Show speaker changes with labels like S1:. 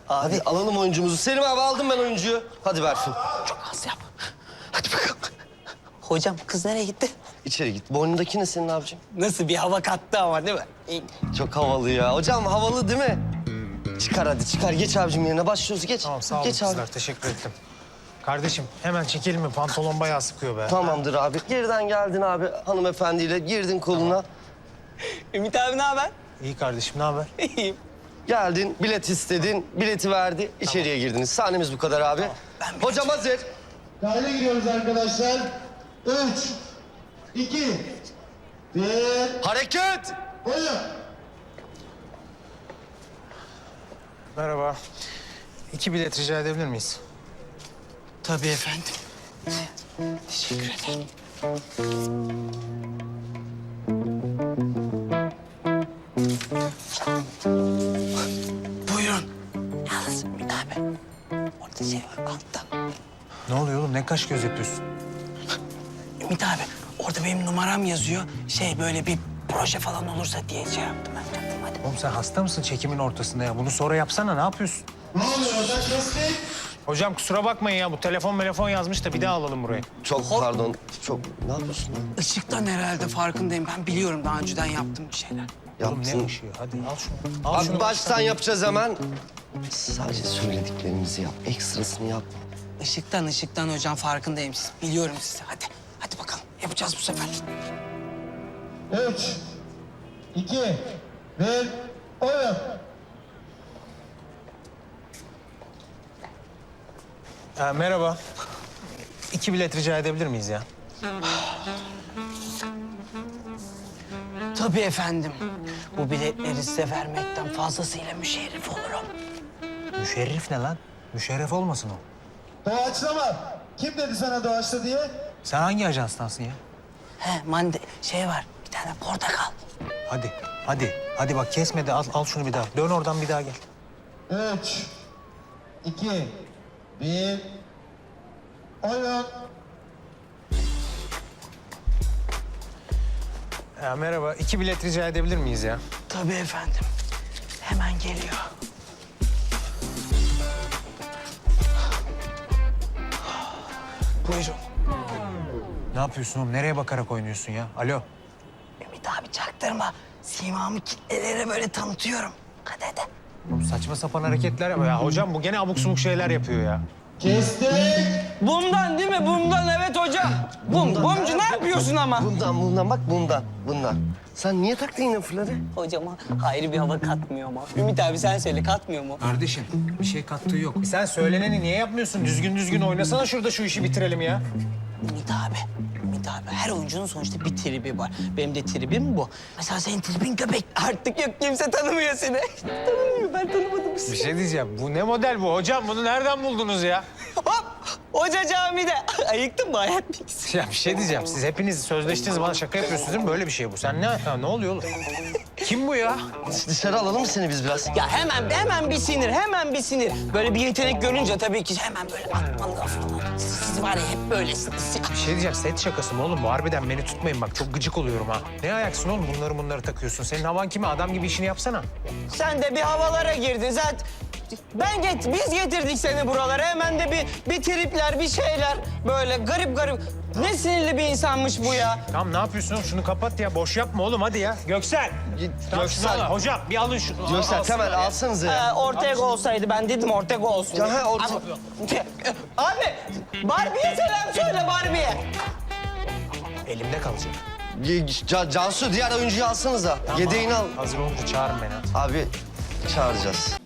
S1: Hadi alalım oyuncumuzu. Selim abi aldım ben oyuncuyu. Hadi Berfin.
S2: Çok az yap. Hadi bakalım. Hocam kız nereye gitti?
S1: İçeri git. Boynundaki ne senin abicim?
S2: Nasıl bir hava kattı ama değil mi?
S1: Çok havalı ya. Hocam havalı değil mi? Çıkar hadi çıkar. Geç abicim yerine başlıyoruz. Geç.
S3: Tamam sağ olun
S1: Geç
S3: kızlar
S1: abi.
S3: teşekkür ettim. Kardeşim hemen çekelim mi? Pantolon bayağı sıkıyor be.
S1: Tamamdır abi. Geriden geldin abi hanımefendiyle. Girdin koluna.
S2: Ümit abi ne haber?
S3: İyi kardeşim ne haber?
S2: İyiyim.
S1: Geldin, bilet istedin, bileti verdi. İçeriye girdiniz. Sahnemiz bu kadar abi. Hocam hazır.
S4: Kayda giriyoruz arkadaşlar. 3, 2, 1,
S1: Hareket!
S4: oyun.
S3: Merhaba. 2 bilet rica edebilir miyiz?
S2: Tabii efendim. Teşekkür ederim. Buyurun. Yalnız Ümit abi. Orada şey var altta.
S3: Ne oluyor oğlum? Ne kaş göz yapıyorsun?
S2: Ümit abi orada benim numaram yazıyor. Şey böyle bir proje falan olursa diye şey yaptım ben. Yaptım, hadi.
S3: Oğlum sen hasta mısın çekimin ortasında ya? Bunu sonra yapsana ne yapıyorsun?
S4: Ne oluyor orada? Kestik.
S3: Hocam kusura bakmayın ya bu telefon yazmış da bir daha alalım burayı.
S1: Çok pardon. Çok... Ne yapıyorsun lan?
S2: Işıktan herhalde farkındayım. Ben biliyorum daha önceden yaptım bir şeyler.
S3: Oğlum
S1: Yaptın.
S3: ne ışığı? Hadi al şunu. Al
S1: Abi
S3: şunu.
S1: baştan yapacağız hemen. Sadece söylediklerimizi yap. Ekstrasını yapma.
S2: Işıktan hocam farkındayım siz. Biliyorum sizi. Hadi bakalım. Yapacağız bu sefer.
S4: 3, 2, 1, oyun.
S3: Merhaba. 2 bilet rica edebilir miyiz ya?
S2: Tabii efendim. Bu biletleri size vermekten fazlasıyla müşerref olurum.
S3: Müşerrif ne lan? Müşerref olmasın o.
S4: Doğaçlama. Kim dedi sana doğaçla diye?
S3: Sen hangi ajanstansın ya?
S2: He şey var. Bir tane portakal.
S3: Hadi bak kesme de al şunu bir daha. Dön oradan bir daha gel.
S4: 3, 2, 1, oyun.
S3: Merhaba. 2 bilet rica edebilir miyiz ya?
S2: Tabii efendim. Hemen geliyor. Buyurun.
S3: Ne yapıyorsun oğlum? Nereye bakarak oynuyorsun ya? Alo.
S2: Ümit abi çaktırma. Simamı kitlelere böyle tanıtıyorum. Hadi.
S3: Oğlum saçma sapan hareketler yapıyor. Ya hocam bu gene abuk subuk şeyler yapıyor ya.
S4: Kestik.
S2: Bumdan değil mi? Bumdan evet hocam. Bumcu ne yapıyorsun ama?
S1: Bundan bak bundan. Sen niye taktın yine fırları?
S2: Hocama hayır bir hava katmıyor mu? Ümit abi sen söyle katmıyor mu?
S3: Kardeşim bir şey kattığı yok. Sen söyleneni niye yapmıyorsun? Düzgün oynasana şurada şu işi bitirelim ya.
S2: Ümit abi her oyuncunun sonuçta bir tribi var. Benim de tribim bu. Mesela senin tribin köpek. Artık yok kimse tanımıyor seni. Tanımıyor ben tanımadım
S3: Bir
S2: sizi.
S3: şey diyeceğim. Bu ne model bu? Hocam bunu nereden buldunuz ya?
S2: Hop! Hoca camide. Ayıktın mı hayat bilgisi?
S3: Ya bir şey diyeceğim. Siz hepiniz sözleştiniz bana şaka yapıyorsunuz değil mi? Böyle bir şey bu. Sen ne oluyor oğlum? Kim bu ya?
S1: Dışarı alalım mı seni biz biraz?
S2: Ya hemen bir sinir. Böyle bir yetenek görünce tabii ki hemen böyle atmalı falan. Siz var ya hep böylesiniz.
S3: Bir şey diyeceğim. Set şakası mı oğlum bu? Harbiden beni tutmayın bak. Çok gıcık oluyorum ha. Ne ayaksın oğlum? Bunları takıyorsun. Senin havan kime? Adam gibi işini yapsana.
S2: Sen de bir havalara girdin zaten. Biz getirdik seni buralara. Hemen de bir tripler, bir şeyler. Böyle garip. Ne sinirli bir insanmış bu ya.
S3: Tamam ne yapıyorsun oğlum? Şunu kapat ya. Boş yapma oğlum hadi ya. Göksel. Tamam, şunu
S1: Göksel.
S3: al. Hocam bir alın şunu.
S1: Göksel
S3: Alsınlar
S1: Temel
S3: ya.
S1: alsanıza ya.
S2: Ortega olsaydı ben dedim Ortega olsun.
S1: Ya he, Ortega.
S2: Abi Barbie'ye selam söyle Barbie'ye.
S3: Elimde kalacak.
S1: Cansu diğer oyuncuyu alsanıza. Yedeğini al.
S3: Hazır olunca çağırın beni hadi.
S1: Abi çağıracağız.